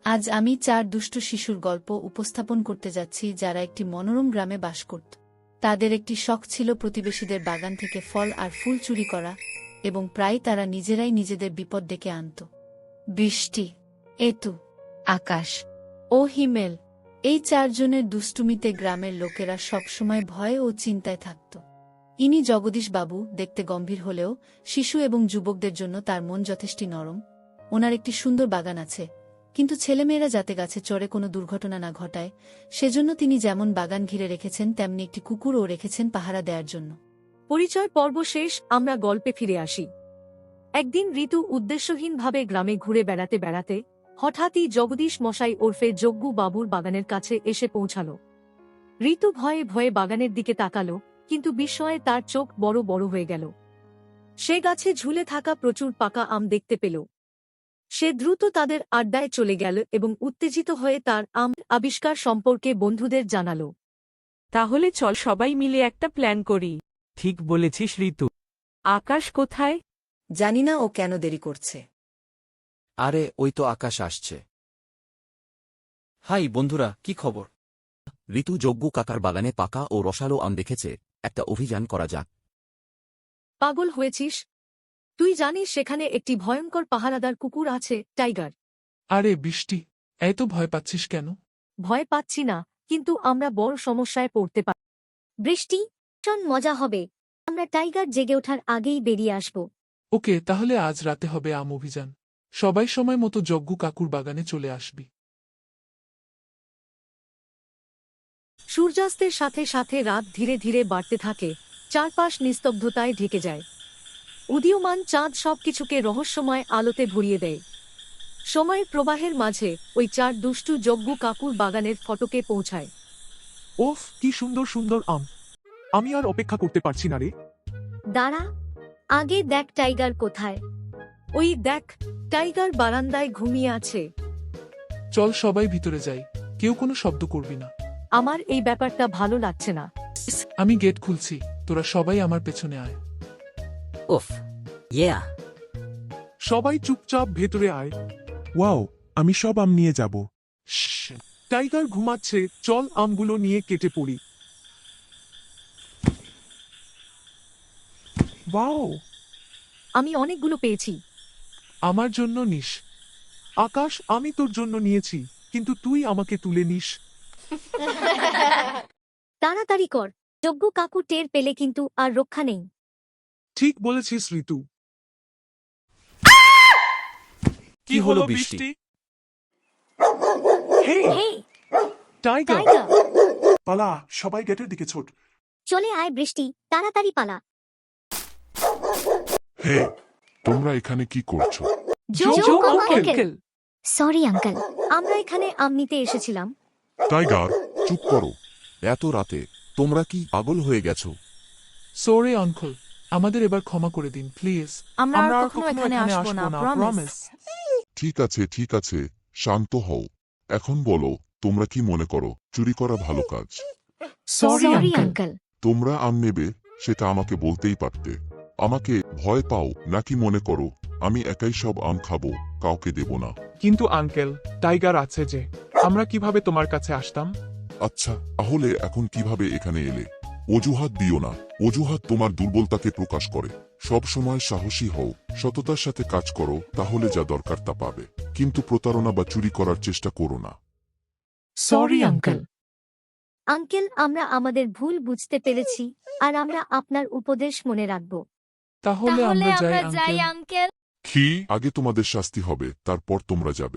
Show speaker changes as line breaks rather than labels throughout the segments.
আজ আমি 4 দুষ্টু শিশুর গল্প উপস্থাপন করতে যাচ্ছি যারা একটি মনোরম গ্রামে বাস করত। তাদের একটি শখ ছিল প্রতিবেশীদের বাগান থেকে ফল আর ফুল চুরি করা, এবং প্রায় তারা নিজেরাই নিজেদের বিপদ ডেকে আনত। বৃষ্টি, এতু, আকাশ ও হিমেল, এই 4 জনের দুষ্টুমিতে গ্রামের লোকেরা সবসময় ভয় ও চিন্তায় থাকত। ইনি জগদীশ বাবু, দেখতে গম্ভীর হলেও শিশু এবং যুবকদের জন্য তার মন যথেষ্ট নরম। ওনার একটি সুন্দর বাগান আছে, কিন্তু ছেলেমেয়েরা যাতে গাছে চড়ে কোনো দুর্ঘটনা না ঘটায় সেজন্য তিনি যেমন বাগান ঘিরে রেখেছেন তেমনি একটি কুকুরও রেখেছেন পাহারা দেওয়ার জন্য।
পরিচয় পর্ব শেষ, আমরা গল্পে ফিরে আসি। একদিন ঋতু উদ্দেশ্যহীনভাবে গ্রামে ঘুরে বেড়াতে বেড়াতে হঠাৎই জগদীশ মশাই ওরফে যজ্ঞু বাবুর বাগানের কাছে এসে পৌঁছাল। ঋতু ভয়ে ভয়ে বাগানের দিকে তাকালো, কিন্তু বিস্ময়ে তার চোখ বড় বড় হয়ে গেল। সে গাছে ঝুলে থাকা প্রচুর পাকা আম দেখতে পেল। সে দ্রুত তাদের আড্ডায় চলে গেল এবং উত্তেজিত হয়ে তার আম আবিষ্কার সম্পর্কে বন্ধুদের জানাল।
তাহলে চল সবাই মিলে একটা প্ল্যান করি।
ঠিক বলেছিস ঋতু।
আকাশ কোথায়?
জানি না ও কেন দেরি করছে।
আরে ওই তো আকাশ আসছে। হাই বন্ধুরা, কি খবর?
ঋতু যজ্ঞ কাকার বাগানে পাকা ও রসালো আম দেখেছে, একটা অভিযান করা যাক।
পাগল হয়েছিস? তুই জানিস সেখানে একটি ভয়ঙ্কর পাহারাদার কুকুর আছে, টাইগার।
আরে বৃষ্টি, এত ভয় পাচ্ছিস কেন?
ভয় পাচ্ছি না, কিন্তু আমরা বড় সমস্যায় পড়তে পারি।
বৃষ্টি, ভীষণ মজা হবে। আমরা টাইগার জেগে ওঠার আগেই বেরিয়ে আসব।
ওকে, তাহলে আজ রাতে হবে আম অভিযান। সবাই সময় মতো যজ্ঞ কাকুর বাগানে চলে আসবি।
সূর্যাস্তের সাথে সাথে রাত ধীরে ধীরে বাড়তে থাকে, চারপাশ নিস্তব্ধতায় ঢেকে যায়। উদীয়মান চাঁদ সবকিছুকে রহস্যময় আলোতে ভরিয়ে দেয়। সময়ের প্রবাহের মাঝে ওই 4 দুষ্টু যজ্ঞ কাকুর বাগানের ফটকে পৌঁছায়।
ওফ, কি সুন্দর সুন্দর আম! আমি আর অপেক্ষা করতে পারছি না রে।
দাঁড়া, আগে দেখ টাইগার কোথায়।
ওই দেখ, টাইগার বারান্দায় ঘুমিয়ে আছে।
চল সবাই ভিতরে যাই, কেউ কোনো শব্দ করবি না।
আমার এই ব্যাপারটা ভালো লাগছে না।
আমি গেট খুলছি, তোরা সবাই আমার পেছনে আয়।
উফ, ইয়া।
সবাই চুপচাপ ভেতরে আয়।
ওয়াও, আমি সব আম নিয়ে যাব।
টাইগার ঘুমাচ্ছে, চল আমগুলো নিয়ে কেটে পড়ি। ওয়াও,
আমি অনেকগুলো পেয়েছি।
আমার জন্য নিস। আকাশ, আমি তোর জন্য নিয়েছি, কিন্তু তুই আমাকে তুলে নিস।
তাড়াতাড়ি কর, যজ্ঞ কাকু টের পেলে কিন্তু আর রক্ষা নেই।
ঠিক বলেছিস ঋতু।
কি হলো বৃষ্টি?
Hey,
hey,
tiger!
টাইগার!
পালা, সবাই গেটের দিকে ছোট।
চলে আয় বৃষ্টি, তাড়াতাড়ি পালা।
হে, তোমরা এখানে কি করছো?
যজ্ঞ আঙ্কেল।
আঙ্কেল।
সরি আঙ্কেল, আমরা এখানে আম নিতে এসেছিলাম।
টাইগার, চুপ করো। এত রাতে তোমরা কি পাগল হয়ে গেছো?
সরি আঙ্কেল, আমাদের এবার ক্ষমা করে দিন প্লিজ।
আমরা আর কখনো এখানে আসবো না, প্রমিস।
ঠিক আছে, শান্ত হও। এখন বলো, তোমরা কি মনে করো চুরি করা ভালো কাজ?
Sorry
sorry
uncle.
আঙ্কেল।
তোমরা আম নেবে সেটা আমাকে বলতেই পারতে। আমাকে ভয় পাও নাকি মনে করো আমি একাই সব আম খাবো, কাউকে দেব না?
কিন্তু আঙ্কেল, টাইগার আছে যে, আমরা কিভাবে তোমার কাছে আসতাম?
আচ্ছা, তাহলে এখন কিভাবে এখানে এলে? অজুহাত দিও না, অজুহাত তোমার দুর্বলতাকে প্রকাশ করে। সব সময় সাহসী হও, সততার সাথে কাজ করো, তাহলে যা দরকার তা পাবে। কিন্তু প্রতারণা বা চুরি করার চেষ্টা করো না।
Sorry uncle.
আঙ্কেল, আমরা আমাদের ভুল বুঝতে পেরেছি, আর আমরা আপনার উপদেশ মনে রাখব।
তাহলে আমরা যাই আঙ্কেল।
কি? আগে তোমাদের শাস্তি হবে, তারপর তোমরা যাবে।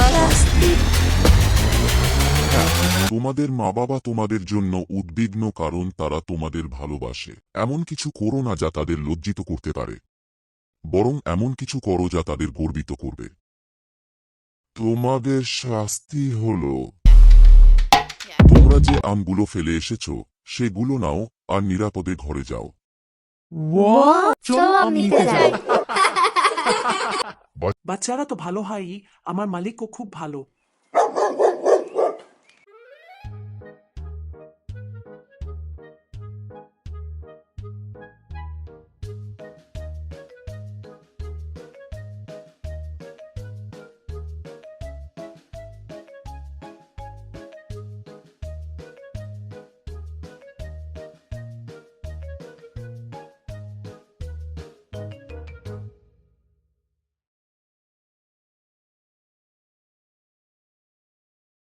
তোমাদের মা বাবা তোমাদের জন্য উদ্বিগ্ন, কারণ তারা তোমাদের ভালোবাসে। এমন কিছু করো না যা তাদের লজ্জিত করতে পারে, বরং এমন কিছু করো যা তাদের গর্বিত করবে। তোমাদের শাস্তি হলো তোমরা যে আমগুলো ফেলে এসেছো সেগুলো নাও আর নিরাপদে ঘরে যাও।
চলো আম নিতে যাই।
বাচ্চারা তো ভালো হয়, আমার মালিকও খুব ভালো।